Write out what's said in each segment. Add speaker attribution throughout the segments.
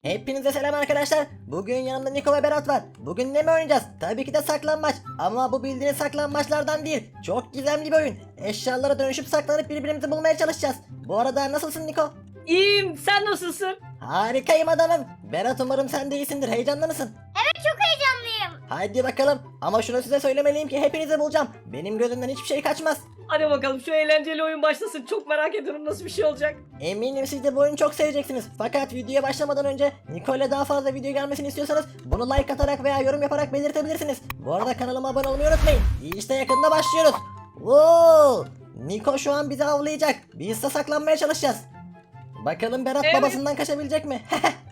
Speaker 1: Hepinize selam arkadaşlar. Bugün yanımda Niko ve Berat var. Bugün ne mi oynayacağız? Tabii ki de saklambaç. Ama bu bildiğiniz saklambaçlardan değil. Çok gizemli bir oyun. Eşyalara dönüşüp saklanıp birbirimizi bulmaya çalışacağız. Bu arada nasılsın Niko?
Speaker 2: İyiyim, sen nasılsın?
Speaker 1: Harikayım adamım. Berat, umarım sen de iyisindir. Heyecanlı mısın?
Speaker 3: Evet, çok heyecanlıyım.
Speaker 1: Haydi bakalım. Ama şunu size söylemeliyim ki hepinizi bulacağım. Benim gözümden hiçbir şey kaçmaz.
Speaker 2: Hadi bakalım şu eğlenceli oyun başlasın. Çok merak ediyorum nasıl bir şey olacak.
Speaker 1: Eminim siz de bu oyunu çok seveceksiniz. Fakat videoya başlamadan önce Niko'yla daha fazla video gelmesini istiyorsanız bunu like atarak veya yorum yaparak belirtebilirsiniz. Bu arada kanalıma abone olmayı unutmayın. İşte yakında başlıyoruz. Oo! Niko şu an bizi avlayacak. Biz de saklanmaya çalışacağız. Bakalım Berat
Speaker 2: Evet.
Speaker 1: babasından kaçabilecek mi?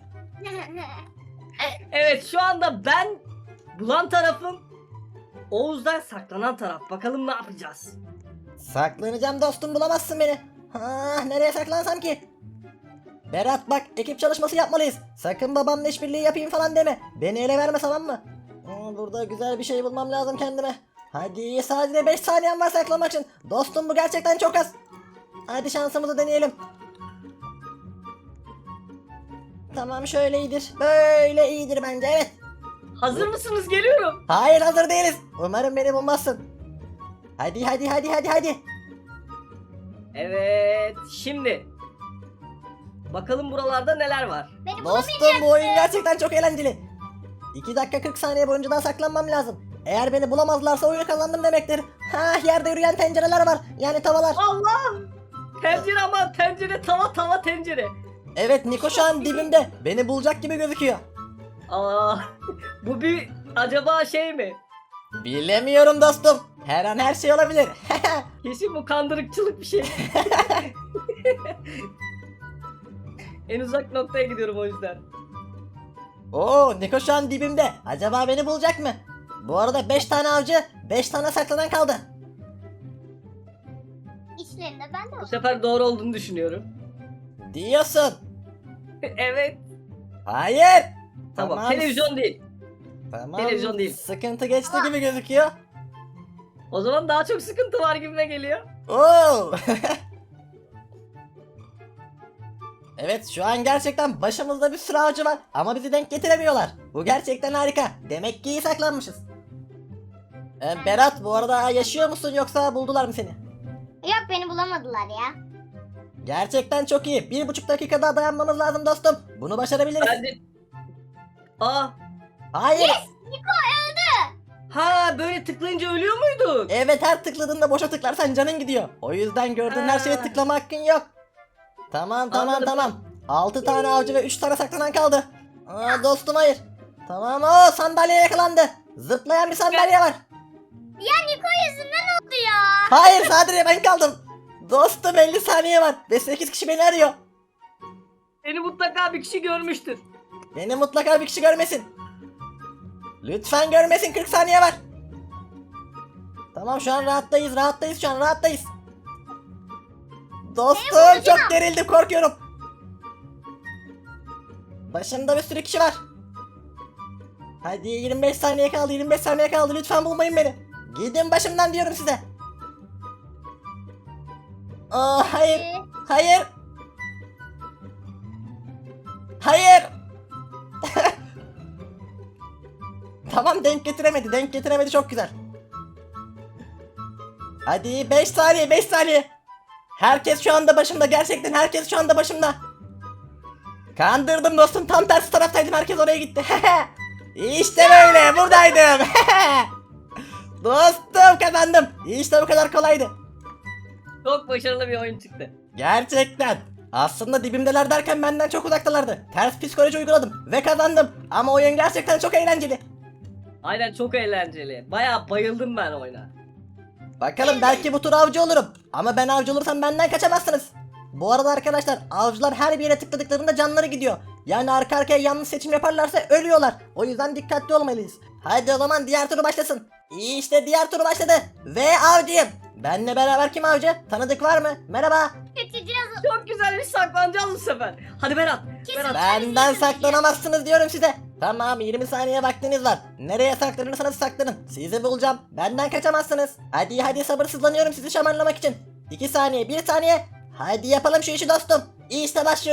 Speaker 2: Evet, şu anda ben bulan tarafım, Oğuz'dan saklanan taraf. Bakalım ne yapacağız?
Speaker 1: Saklanacağım dostum, bulamazsın beni. Nereye saklansam ki? Berat bak, ekip çalışması yapmalıyız. Sakın babamla işbirliği yapayım falan deme. Beni ele verme, tamam mı? Burada güzel bir şey bulmam lazım kendime. Hadi, sadece 5 saniyem var saklamak için. Dostum, bu gerçekten çok az. Hadi şansımızı deneyelim. Tamam, şöyle iyidir. Böyle iyidir bence, evet.
Speaker 2: Hazır mısınız? Geliyorum.
Speaker 1: Hayır, hazır değiliz. Umarım beni bulmazsın. Hadi.
Speaker 2: Evet, şimdi bakalım buralarda neler var.
Speaker 3: Beni
Speaker 1: Dostum, bu oyun gerçekten çok eğlenceli. 2 dakika 40 saniye boyunca daha saklanmam lazım. Eğer beni bulamazlarsa oyunu kazandım demektir. Yerde yürüyen tencereler var. Yani tavalar.
Speaker 2: Allah! Tencere, ama tencere, tava tencere.
Speaker 1: Evet, Niko şu an dibimde. Beni bulacak gibi gözüküyor.
Speaker 2: Aa, bu bir acaba şey mi?
Speaker 1: Bilemiyorum dostum. Her an her şey olabilir.
Speaker 2: Kesin bu kandırıkçılık bir şey. En uzak noktaya gidiyorum o yüzden.
Speaker 1: Oo, Niko şu an dibimde. Acaba beni bulacak mı? Bu arada 5 tane avcı, 5 tane saklanan kaldı.
Speaker 3: İçlerinde ben de
Speaker 2: Bu
Speaker 3: varım.
Speaker 2: sefer doğru olduğunu düşünüyorum.
Speaker 1: Diyorsun.
Speaker 2: Evet.
Speaker 1: Hayır.
Speaker 2: Tamam. Televizyon değil.
Speaker 1: Tamam.
Speaker 2: televizyon değil.
Speaker 1: Sıkıntı geçti gibi gözüküyor.
Speaker 2: O zaman daha çok sıkıntı var gibime geliyor.
Speaker 1: Oo. Evet, şu an gerçekten başımızda bir sürü avcı var ama bizi denk getiremiyorlar. Bu gerçekten harika. Demek ki iyi saklanmışız. Berat, bu arada yaşıyor musun yoksa buldular mı seni?
Speaker 3: Yok, beni bulamadılar ya.
Speaker 1: Gerçekten çok iyi. 1,5 dakika daha dayanmamız lazım dostum. Bunu başarabiliriz.
Speaker 2: Ben de... Aa,
Speaker 1: Hayır.
Speaker 3: Niko öldü.
Speaker 2: ha böyle tıklayınca ölüyor muyduk?
Speaker 1: Evet, her tıkladığında boşa tıklarsan canın gidiyor. O yüzden gördüğün her şeye
Speaker 2: Ha.
Speaker 1: tıklama hakkın yok. Tamam.
Speaker 2: Anladım.
Speaker 1: 6 tane avcı ve 3 tane saklanan kaldı. Dostum, hayır. Tamam, o sandalye yakalandı. Zıplayan bir sandalye var.
Speaker 3: Ya Niko yüzünden oldu ya.
Speaker 1: Hayır, sadece ben kaldım. Dostum, 50 saniye var ve 8 kişi beni arıyor.
Speaker 2: Seni mutlaka bir kişi görmüştür.
Speaker 1: Beni mutlaka bir kişi görmesin. Lütfen görmesin, 40 saniye var. Tamam, şu an rahattayız şu an rahattayız. Dostum, çok gerildim, korkuyorum. Başımda bir sürü kişi var. Hadi, 25 saniye kaldı, lütfen bulmayın beni. Gidin başımdan diyorum size. Hayır. Hayır. Tamam, denk getiremedi, çok güzel. Hadi, 5 saniye. Herkes şu anda başımda, gerçekten herkes şu anda başımda. Kandırdım dostum, tam tersi taraftaydım, herkes oraya gitti. İşte böyle, buradaydım. Dostum, kazandım. İşte bu kadar kolaydı.
Speaker 2: Çok başarılı bir oyun çıktı.
Speaker 1: Gerçekten. Aslında dibimdeler derken benden çok uzaktalardı. Ters psikoloji uyguladım ve kazandım. Ama oyun gerçekten çok eğlenceli.
Speaker 2: Aynen, çok eğlenceli. Bayağı bayıldım ben oyuna.
Speaker 1: Bakalım, belki bu tur avcı olurum. Ama ben avcı olursam benden kaçamazsınız. Bu arada arkadaşlar, avcılar her bir yere tıkladıklarında canları gidiyor. Yani arka arkaya yanlış seçim yaparlarsa ölüyorlar. O yüzden dikkatli olmalıyız. Hadi o zaman diğer tur başlasın. İşte diğer tur başladı. Ve avcıyım. Benle beraber kim avcı? Tanıdık var mı? Merhaba.
Speaker 3: Kaçacağız.
Speaker 2: Çok güzel bir saklanacağız bu sefer. Hadi Berat. Berat.
Speaker 1: Benden saklanamazsınız diyorum size. Tamam, 20 saniye vaktiniz var. Nereye saklanırsanız saklanın. Sizi bulacağım. Benden kaçamazsınız. Hadi sabırsızlanıyorum sizi şamarlamak için. 2 saniye, 1 saniye. Hadi yapalım şu işi dostum. İşte başlıyoruz.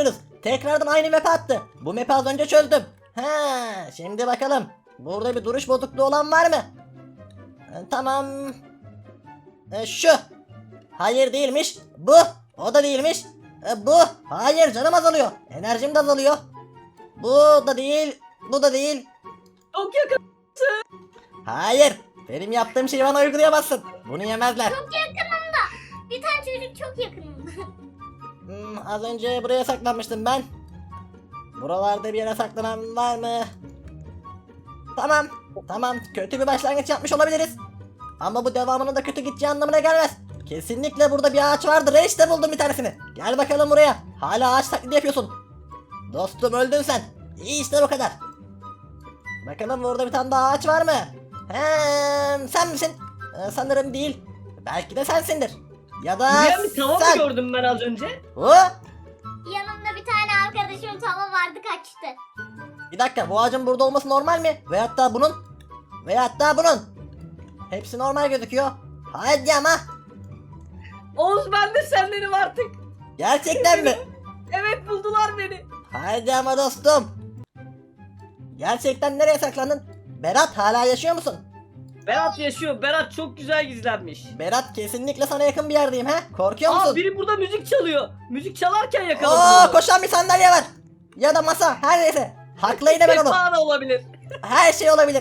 Speaker 1: tekrardan aynı map'e attı. Bu map'i az önce çözdüm. He, şimdi bakalım. Burada bir duruş bozukluğu olan var mı? Tamam. Şu. Hayır değilmiş. Bu. O da değilmiş. Bu. Hayır, canım azalıyor. Enerjim de azalıyor. Bu da değil. Bu da değil.
Speaker 2: Çok yakın.
Speaker 1: Hayır. Benim yaptığım şeyi bana uygulayamazsın. Bunu yemezler.
Speaker 3: Çok yakınımda. Bir tane çocuk çok yakınımda.
Speaker 1: Az önce buraya saklanmıştım ben. Buralarda bir yere saklanan var mı? Tamam. Tamam. Kötü bir başlangıç yapmış olabiliriz. Ama bu devamının da kötü gideceği anlamına gelmez. Kesinlikle burada bir ağaç vardır. İşte buldum bir tanesini. Gel bakalım buraya. Hala ağaç taklidi yapıyorsun. Dostum, öldün sen. İyi, işte bu kadar. Bakalım burada bir tane daha ağaç var mı? Sen misin? Sanırım değil. Belki de sensindir. Ya da
Speaker 2: Buraya bir tava mı
Speaker 1: sen.
Speaker 2: gördüm ben az önce?
Speaker 1: O?
Speaker 3: Yanımda bir tane arkadaşım tava vardı, kaçtı.
Speaker 1: Bir dakika, bu ağacın burada olması normal mi? Veyahut da bunun? Veyahut da bunun? Hepsi normal gözüküyor. Hadi ama.
Speaker 2: Oğuz, ben de sendenim artık.
Speaker 1: Gerçekten mi?
Speaker 2: Evet, buldular beni.
Speaker 1: Hadi ama dostum. Gerçekten nereye saklandın? Berat, hala yaşıyor musun?
Speaker 2: Berat yaşıyor. Berat çok güzel gizlenmiş.
Speaker 1: Berat, kesinlikle sana yakın bir yerdeyim he. Korkuyor
Speaker 2: Aa,
Speaker 1: musun?
Speaker 2: biri burada müzik çalıyor. Müzik çalarken yakaladım
Speaker 1: Oo,
Speaker 2: onu.
Speaker 1: koşan bir sandalye var. Ya da masa, her neyse. Haklıydı ben onu.
Speaker 2: Sehpa da olabilir.
Speaker 1: Her şey olabilir.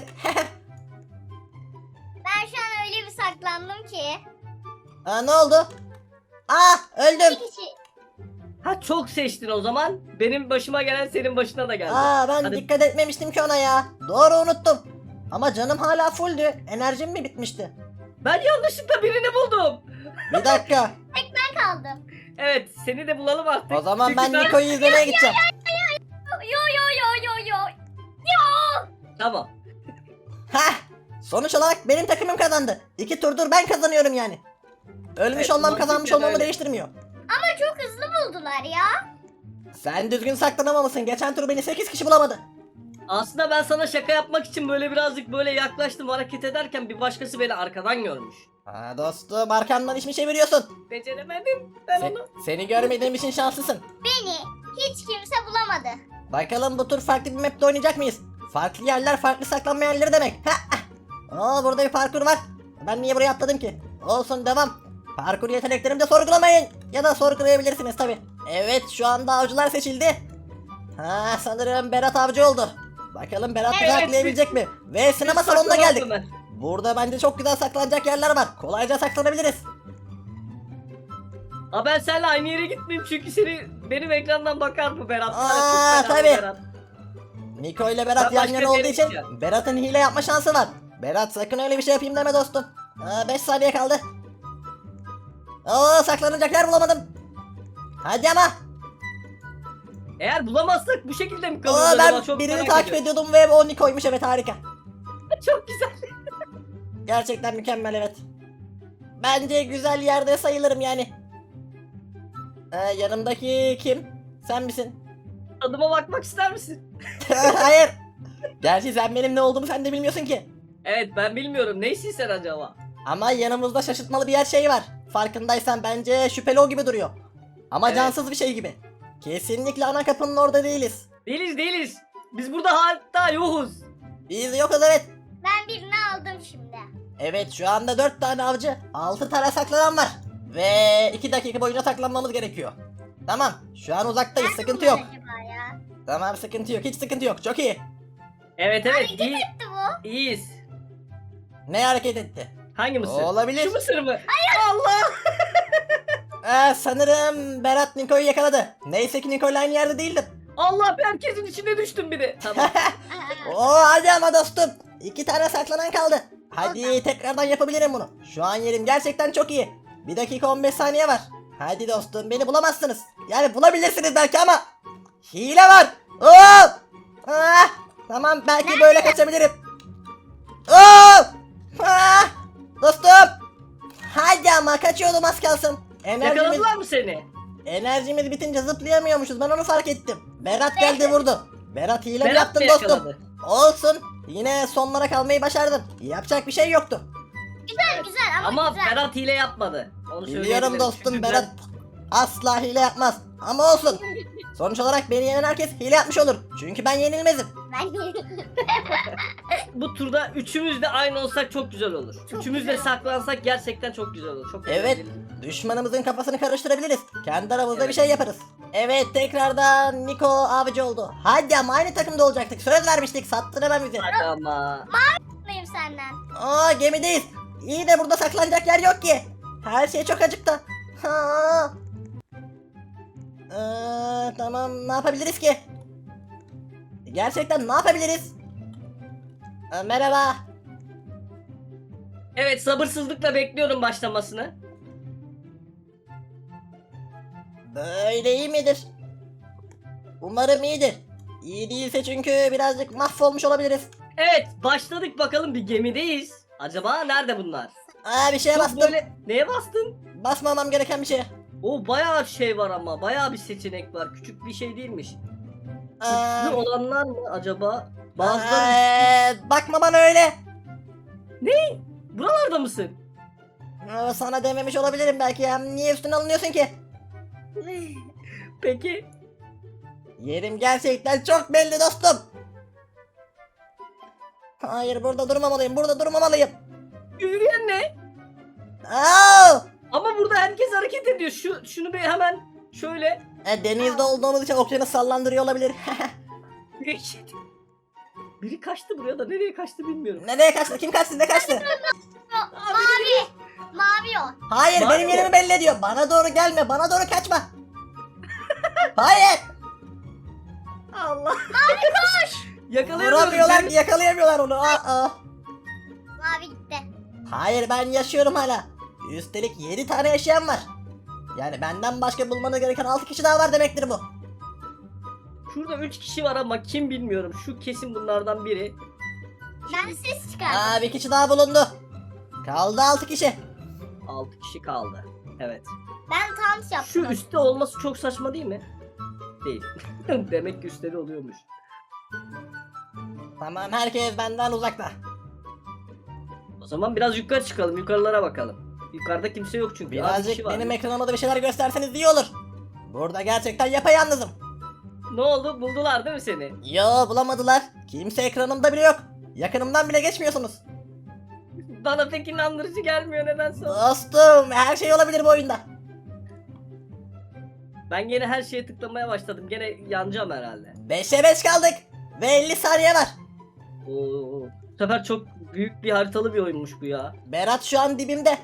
Speaker 3: Ben şu an öyle bir saklandım ki.
Speaker 1: Ne oldu? Öldüm.
Speaker 3: Bir kişi.
Speaker 2: Ha, çok seçtin o zaman. Benim başıma gelen senin başına da geldi.
Speaker 1: Ben
Speaker 2: Hadi.
Speaker 1: dikkat etmemiştim ki ona ya. Doğru, unuttum. Ama canım hala fulldü. Enerjim mi bitmişti?
Speaker 2: Ben yanlışlıkla birini buldum.
Speaker 1: Bir dakika.
Speaker 3: Ben kaldım.
Speaker 2: Evet, seni de bulalım artık.
Speaker 1: O zaman
Speaker 2: Çünkü
Speaker 1: ben Niko'yu izlemeye gideceğim.
Speaker 3: Yo yo yo yo yo.
Speaker 2: Tamam.
Speaker 1: Heh. Sonuç olarak benim takımım kazandı. 2 turdur ben kazanıyorum yani. Ölmüş
Speaker 2: Evet,
Speaker 1: olmam
Speaker 2: mantıken
Speaker 1: kazanmış olmamı
Speaker 2: öyle.
Speaker 1: değiştirmiyor.
Speaker 3: Ama çok hızlı buldular ya.
Speaker 1: Sen düzgün saklanamamışsın. Geçen tur beni 8 kişi bulamadı.
Speaker 2: Aslında ben sana şaka yapmak için böyle birazcık böyle yaklaştım, hareket ederken bir başkası beni arkadan görmüş.
Speaker 1: Dostum, arkamdan iş mi çeviriyorsun?
Speaker 2: Beceremedim ben onu.
Speaker 1: Seni görmediğim için şanslısın.
Speaker 3: Beni hiç kimse bulamadı.
Speaker 1: Bakalım bu tur farklı bir map'te oynayacak mıyız? Farklı yerler, farklı saklanma yerleri demek. Burada bir parkur var. Ben niye buraya atladım ki? Olsun, devam. Parkur yeteneklerimi de sorgulamayın. Ya da sorgulayabilirsiniz tabi. Evet, şu anda avcılar seçildi. Sanırım Berat avcı oldu. Bakalım Berat bizi
Speaker 2: Evet.
Speaker 1: aklayabilecek mi? Ve sinema
Speaker 2: Üst
Speaker 1: salonuna
Speaker 2: saklanalım
Speaker 1: geldik.
Speaker 2: ben.
Speaker 1: Burada bence çok güzel saklanacak yerler var. Kolayca saklanabiliriz.
Speaker 2: Aa, ben seninle aynı yere gitmeyeyim çünkü benim ekrandan bakar mı Berat? Var ya, çok
Speaker 1: Aa,
Speaker 2: fena
Speaker 1: tabii.
Speaker 2: Berat.
Speaker 1: Niko ile Berat
Speaker 2: Ben
Speaker 1: yan
Speaker 2: başka
Speaker 1: yana
Speaker 2: bir
Speaker 1: olduğu
Speaker 2: yere
Speaker 1: için
Speaker 2: gideceğim.
Speaker 1: Berat'ın hile yapma şansı var. Berat, sakın öyle bir şey yapayım deme dostum. 5 saniye kaldı. Saklanacak yer bulamadım. Hadi ama.
Speaker 2: Eğer bulamazsak bu şekilde mi kalırız acaba?
Speaker 1: Ben
Speaker 2: Çok
Speaker 1: birini
Speaker 2: merak
Speaker 1: takip
Speaker 2: ediyorum.
Speaker 1: ediyordum ve o Niko'ymuş, evet, harika.
Speaker 2: Çok güzel.
Speaker 1: Gerçekten mükemmel, evet. Bence güzel yerde sayılırım yani. Yanımdaki kim? Sen misin?
Speaker 2: Adıma bakmak ister misin?
Speaker 1: Hayır. Gerçi sen benim ne olduğumu sen de bilmiyorsun ki.
Speaker 2: Evet, ben bilmiyorum. Neysin sen acaba?
Speaker 1: Ama yanımızda şaşırtmalı bir yer şey var. Farkındaysan bence şüpheli o gibi duruyor. Ama
Speaker 2: Evet.
Speaker 1: cansız bir şey gibi. Kesinlikle ana kapının orada değiliz.
Speaker 2: Değiliz. Biz burada hatta yokuz.
Speaker 1: Biz yokuz, evet.
Speaker 3: Ben birini aldım şimdi.
Speaker 1: Evet, şu anda 4 tane avcı, 6 tane saklanan var. Ve 2 dakika boyunca saklanmamız gerekiyor. Tamam, şu an uzaktayız,
Speaker 3: Nerede
Speaker 1: sıkıntı
Speaker 3: bunlar
Speaker 1: yok.
Speaker 3: acaba ya?
Speaker 1: Tamam, sıkıntı yok, hiç sıkıntı yok, çok iyi.
Speaker 2: Evet,
Speaker 3: Hareket
Speaker 2: iyi.
Speaker 3: etti bu.
Speaker 2: İyiyiz.
Speaker 1: Ne hareket etti?
Speaker 2: Hangi mısır?
Speaker 1: Olabilir.
Speaker 2: Şu mısır mı? Allah!
Speaker 1: Sanırım Berat Niko'yu yakaladı. Neyse ki Niko'yla aynı yerde değildim.
Speaker 2: Allah, herkesin içine düştüm bir de. Tamam.
Speaker 1: Hadi ama dostum. 2 tane saklanan kaldı. Hadi tekrardan yapabilirim bunu. Şu an yerim gerçekten çok iyi. 1 dakika 15 saniye var. Hadi dostum, beni bulamazsınız. Yani bulabilirsiniz belki ama hile var. Tamam, belki böyle kaçabilirim. Dostum. Hadi ama, kaçıyordum az kalsın.
Speaker 2: Yakaladılar mı seni?
Speaker 1: Enerjimiz bitince zıplayamıyormuşuz, ben onu fark ettim. Berat geldi vurdu. Berat hile mi
Speaker 2: Berat
Speaker 1: yaptın
Speaker 2: da
Speaker 1: dostum?
Speaker 2: yakaladı.
Speaker 1: Olsun. Yine sonlara kalmayı başardım. Yapacak bir şey yoktu.
Speaker 3: Güzel güzel ama,
Speaker 2: Ama
Speaker 3: güzel.
Speaker 2: Berat hile yapmadı. Onu
Speaker 1: Biliyorum
Speaker 2: söyleyebilirim.
Speaker 1: dostum,
Speaker 2: Çünkü
Speaker 1: Berat asla hile yapmaz. Ama olsun. Sonuç olarak beni yenen herkes hile yapmış olur. Çünkü ben yenilmezim.
Speaker 3: Ben
Speaker 2: Bu turda üçümüz de aynı olsak çok güzel olur.
Speaker 3: Çok
Speaker 2: Üçümüz de
Speaker 3: güzel.
Speaker 2: saklansak gerçekten çok güzel olur. Çok
Speaker 1: Evet.
Speaker 2: eğlenceli.
Speaker 1: Düşmanımızın kafasını karıştırabiliriz. Kendi aramızda
Speaker 2: Evet.
Speaker 1: bir şey yaparız. Evet, tekrardan Niko avcı oldu. Hadi ama aynı takımda olacaktık. Söz vermiştik. Sattın hemen bizi.
Speaker 2: Hadi ama.
Speaker 3: mutluyum senden.
Speaker 1: Aa, gemideyiz. İyi de burada saklanacak yer yok ki. Her şey çok acıktı. Ha. Tamam, ne yapabiliriz ki? Gerçekten ne yapabiliriz? Merhaba.
Speaker 2: Evet, sabırsızlıkla bekliyorum başlamasını.
Speaker 1: Böyle iyi midir? Umarım iyidir. İyi değilse çünkü birazcık mahvolmuş olabiliriz.
Speaker 2: Evet, başladık bakalım, bir gemideyiz. Acaba nerede bunlar?
Speaker 1: Bir şeye
Speaker 2: Çok
Speaker 1: bastım.
Speaker 2: böyle neye bastın?
Speaker 1: Basmamam gereken bir şey.
Speaker 2: O bayağı şey var ama bayağı bir seçenek var. Küçük bir şey değilmiş.
Speaker 1: Aa,
Speaker 2: Güçlü olanlar mı acaba? Bazıları
Speaker 1: bakma bana öyle.
Speaker 2: buralarda mısın?
Speaker 1: Sana dememiş olabilirim belki ya. Niye üstüne alınıyorsun ki?
Speaker 2: Peki.
Speaker 1: Yerim gerçekten çok belli dostum. Hayır, burada durmamalıyım. Burada durmamalıyım.
Speaker 2: Yürüyen ne?
Speaker 1: Aa!
Speaker 2: Ama burada herkes hareket ediyor. Şunu bir hemen şöyle.
Speaker 1: Denizde olduğumuz için okyanus sallandırıyor olabilir.
Speaker 2: Biri kaçtı buraya da nereye kaçtı bilmiyorum.
Speaker 1: Nereye kaçtı? Kim kaçtı? Ne kaçtı?
Speaker 3: Mavi. Mavi o.
Speaker 1: Hayır,
Speaker 2: Var
Speaker 1: benim
Speaker 2: mı?
Speaker 1: yerimi belli ediyor. Bana doğru gelme. Bana doğru kaçma. Hayır.
Speaker 2: Allah. Mavi koş.
Speaker 1: Vuramıyorlar, yakalayamıyorlar onu. Aa.
Speaker 3: Mavi gitti.
Speaker 1: Hayır, ben yaşıyorum hala. Üstelik 7 tane yaşayan var. Yani benden başka bulmanız gereken 6 kişi daha var demektir bu.
Speaker 2: Şurada 3 kişi var ama kim bilmiyorum. Şu kesin bunlardan biri.
Speaker 3: Ben ses çıkardım.
Speaker 1: Bir kişi daha bulundu. Kaldı 6 kişi.
Speaker 2: 6 kişi kaldı. Evet.
Speaker 3: Ben tant yaptım.
Speaker 2: Şu üstte olması çok saçma değil mi? Değil. Demek ki üstleri oluyormuş.
Speaker 1: Tamam, herkes benden uzakta.
Speaker 2: O zaman biraz yukarı çıkalım. Yukarılara bakalım. Yukarıda kimse yok çünkü. Az
Speaker 1: Birazcık
Speaker 2: kişi var.
Speaker 1: benim ekranıma da bir şeyler gösterseniz iyi olur. Burada gerçekten yapayalnızım.
Speaker 2: Ne oldu? Buldular değil mi seni?
Speaker 1: Yo, bulamadılar. Kimse ekranımda bile yok. Yakınımdan bile geçmiyorsunuz.
Speaker 2: Bana pek inandırıcı gelmiyor nedense.
Speaker 1: Dostum, her şey olabilir bu oyunda.
Speaker 2: Ben gene her şeye tıklamaya başladım. Gene yanacağım herhalde.
Speaker 1: 5'e 5 kaldık. Ve 50 saniye var.
Speaker 2: Oo. Bu sefer çok büyük bir haritalı bir oyunmuş bu ya.
Speaker 1: Berat şu an dibimde.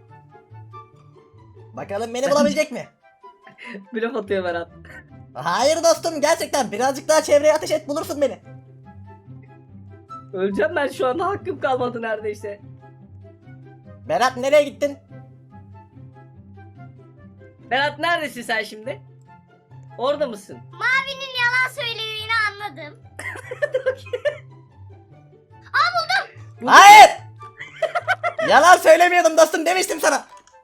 Speaker 1: Bakalım beni bulabilecek mi?
Speaker 2: Blöf atıyor Berat.
Speaker 1: Hayır dostum, gerçekten birazcık daha çevreye ateş et, bulursun beni.
Speaker 2: Öleceğim ben şu anda, hakkım kalmadı neredeyse.
Speaker 1: Berat, nereye gittin?
Speaker 2: Berat neredesin sen şimdi? Orada mısın?
Speaker 3: Mavinin yalan söylediğini anladım.
Speaker 2: Bu-
Speaker 1: Hayır! Yalan söylemiyordum dostum, demiştim sana.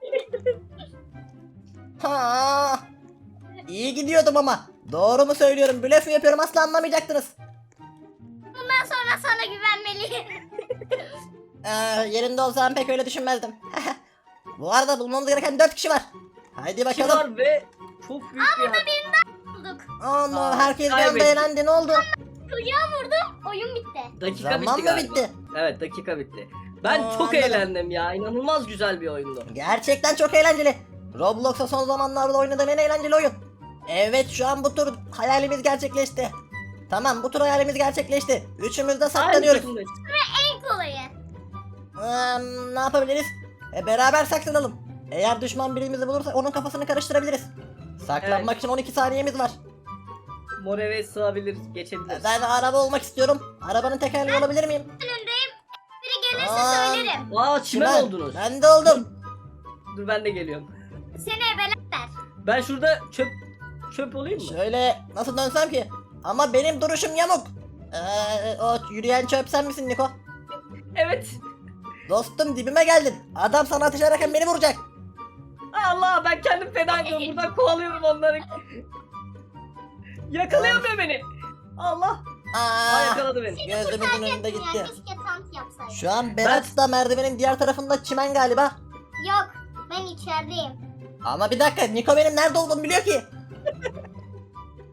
Speaker 1: Ha. İyi gidiyordum ama. Doğru mu söylüyorum, blöf mü yapıyorum asla anlamayacaktınız.
Speaker 3: Bundan sonra sana güvenmeliyim.
Speaker 1: Yerinde olsam pek öyle düşünmezdim. Bu arada bulmamız gereken 4 kişi var. Haydi
Speaker 2: Kişi
Speaker 1: bakalım.
Speaker 2: var ve çok büyük bir
Speaker 3: Bulduk.
Speaker 1: Aman, herkes bir anda
Speaker 2: kaybettik.
Speaker 1: eğlendi, ne oldu?
Speaker 3: Kuyuya vurdum. Oyun bitti.
Speaker 2: dakika
Speaker 1: Zaman
Speaker 2: bitti
Speaker 1: mı
Speaker 2: galiba.
Speaker 1: bitti?
Speaker 2: Evet, dakika bitti. Ben çok
Speaker 1: Anladım.
Speaker 2: eğlendim ya. İnanılmaz güzel bir oyundu.
Speaker 1: Gerçekten çok eğlenceli. Roblox'a son zamanlarda oynadığım en eğlenceli oyun. Evet, şu an bu tur hayalimiz gerçekleşti. Tamam, bu tur hayalimiz gerçekleşti. Üçümüz de
Speaker 2: Aynı
Speaker 1: saklanıyoruz.
Speaker 2: takımdayız.
Speaker 3: En kolayı.
Speaker 1: Ne yapabiliriz? Beraber saklanalım. Eğer düşman birimizi bulursa onun kafasını karıştırabiliriz. Saklanmak için 12 saniyemiz var.
Speaker 2: Mor eve sığabiliriz, geçebiliriz.
Speaker 1: Ben araba olmak istiyorum. Arabanın tekerleği olabilir miyim?
Speaker 3: Önündeyim. Biri gelirse
Speaker 1: Aa.
Speaker 3: söylerim.
Speaker 2: Aa, çimen oldunuz.
Speaker 1: Ben de oldum.
Speaker 2: Dur ben de geliyorum.
Speaker 3: Seni ebelerler.
Speaker 2: Ben şurada çöp olayım mı?
Speaker 1: Şöyle nasıl dönsem ki? Ama benim duruşum yamuk. O yürüyen çöp sen misin Niko?
Speaker 2: Evet.
Speaker 1: Dostum, dibime geldin. Adam sana ateş ederken beni vuracak.
Speaker 2: Ay Allah, ben kendim feda ediyorum. Buradan kovalıyorum onları. Yakalayamıyor beni. Allah. Aa,
Speaker 1: Aa,
Speaker 2: yakaladı beni.
Speaker 1: gözümüzün önünde
Speaker 3: Ya,
Speaker 1: gitti.
Speaker 3: keşke tant yapsaydım.
Speaker 1: Şu an Berat da merdivenin diğer tarafında çimen galiba.
Speaker 3: Yok. Ben içerideyim.
Speaker 1: Ama bir dakika, Niko benim nerede olduğumu biliyor ki.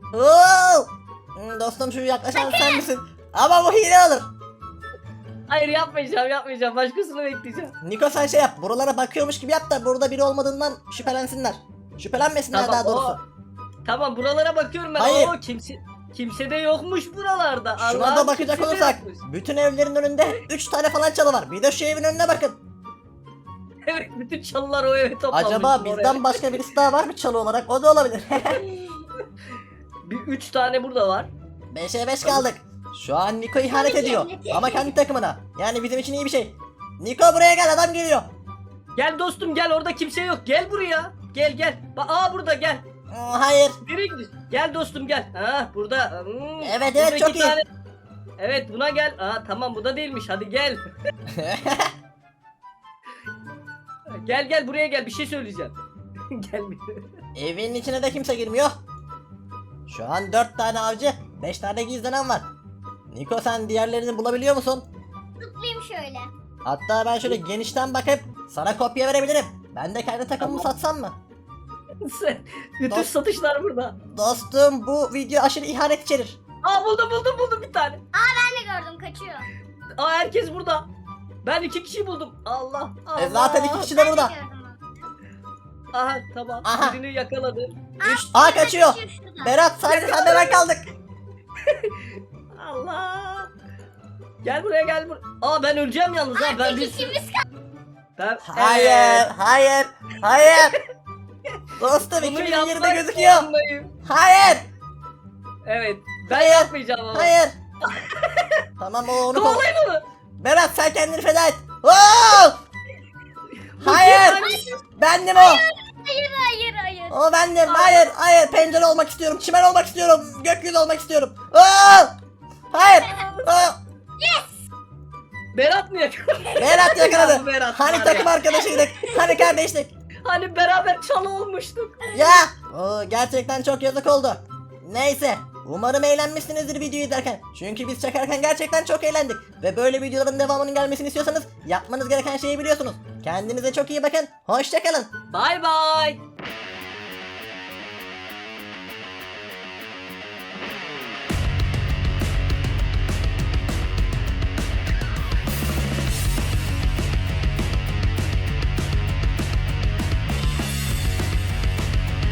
Speaker 1: Oo! Dostum şu yaklaşan sen misin? Ama bu hile olur.
Speaker 2: Hayır yapmayacağım. Başkasını bekleyeceğim.
Speaker 1: Niko sen şey yap. Buralara bakıyormuş gibi yap da burada biri olmadığından şüphelensinler. Şüphelenmesinler daha doğrusu.
Speaker 2: Tamam buralara bakıyorum ben.
Speaker 1: Hayır.
Speaker 2: Oo, kimse de yokmuş buralarda.
Speaker 1: Şuna
Speaker 2: Allah'ım,
Speaker 1: da bakacak
Speaker 2: kimse de
Speaker 1: olursak
Speaker 2: yokmuş.
Speaker 1: bütün evlerin önünde 3 tane falan çalı var. Bir de şu evin önüne bakın.
Speaker 2: Evet bütün çalılar o eve toplanmış.
Speaker 1: Acaba
Speaker 2: oraya.
Speaker 1: bizden başka birisi daha var mı çalı olarak? O da olabilir.
Speaker 2: Bir 3 tane burada var.
Speaker 1: 5'e 5 kaldık. Şu an Niko ihanet ediyor. Ama kendi takımına. Yani bizim için iyi bir şey. Niko buraya gel, adam geliyor.
Speaker 2: Gel dostum gel, orada kimse yok. Gel buraya. Gel. Burada gel.
Speaker 1: Hayır.
Speaker 2: Nereye gidiyorsun? Gel dostum gel. Ha burada.
Speaker 1: Evet,
Speaker 2: Burada
Speaker 1: çok
Speaker 2: iki
Speaker 1: iyi.
Speaker 2: Evet buna gel. Tamam bu da değilmiş. Hadi gel. Gel buraya gel. Bir şey söyleyeceğim. Gel.
Speaker 1: Evin içine de kimse girmiyor. Şu an 4 tane avcı, 5 tane gizlenen var. Niko sen diğerlerini bulabiliyor musun?
Speaker 3: Zıplayayım şöyle.
Speaker 1: Hatta ben şöyle genişten bakıp sana kopya verebilirim. Ben de kendi takımımı satsam mı?
Speaker 2: Bütün
Speaker 1: Dost-
Speaker 2: satışlar burada.
Speaker 1: Dostum bu video aşırı ihanet içerir.
Speaker 2: Buldum bir tane.
Speaker 3: Ben de gördüm, kaçıyor.
Speaker 2: Herkes burada. Ben 2 kişi buldum. Allah.
Speaker 1: Zaten 2 kişi de
Speaker 3: Ben de
Speaker 1: burada.
Speaker 3: gördüm onu.
Speaker 2: Aha tamam.
Speaker 1: Aha.
Speaker 2: Birini yakaladım.
Speaker 1: 3 kaçıyor.
Speaker 3: Şurada.
Speaker 1: Berat sadece sen de ben kaldık.
Speaker 2: Allah. Gel buraya. Ben öleceğim yalnız ha. Ben bir
Speaker 3: İkimiz kaldı.
Speaker 2: ben
Speaker 1: Hayır. Dostum
Speaker 2: Bunu
Speaker 1: 2020'de
Speaker 2: yapmak
Speaker 1: gözüküyor.
Speaker 2: zorundayım.
Speaker 1: Hayır.
Speaker 2: Evet. Ben
Speaker 1: Hayır.
Speaker 2: yapmayacağım ama.
Speaker 1: Hayır. Tamam onu
Speaker 2: Kovalayın onu.
Speaker 1: Berat sen kendini feda et. Oo! Hayır. Bendim o.
Speaker 3: Hayır.
Speaker 1: O bendim. Hayır. Pencere olmak istiyorum. Çimen olmak istiyorum. Gökyüzü olmak istiyorum. Oo! Hayır. Oo!
Speaker 2: Berat mı yakaladı?
Speaker 1: Berat
Speaker 2: Ya
Speaker 1: yakaladı.
Speaker 2: bu Berat
Speaker 1: Hani
Speaker 2: var
Speaker 1: takım
Speaker 2: ya.
Speaker 1: arkadaşıydık. Hani kardeşlik.
Speaker 2: Hani beraber çalı olmuştuk.
Speaker 1: Ya. Oo, gerçekten çok yazık oldu. Neyse. Umarım eğlenmişsinizdir videoyu izlerken. Çünkü biz çekerken gerçekten çok eğlendik. Ve böyle videoların devamının gelmesini istiyorsanız yapmanız gereken şeyi biliyorsunuz. Kendinize çok iyi bakın. Hoşça kalın.
Speaker 2: Bay bay.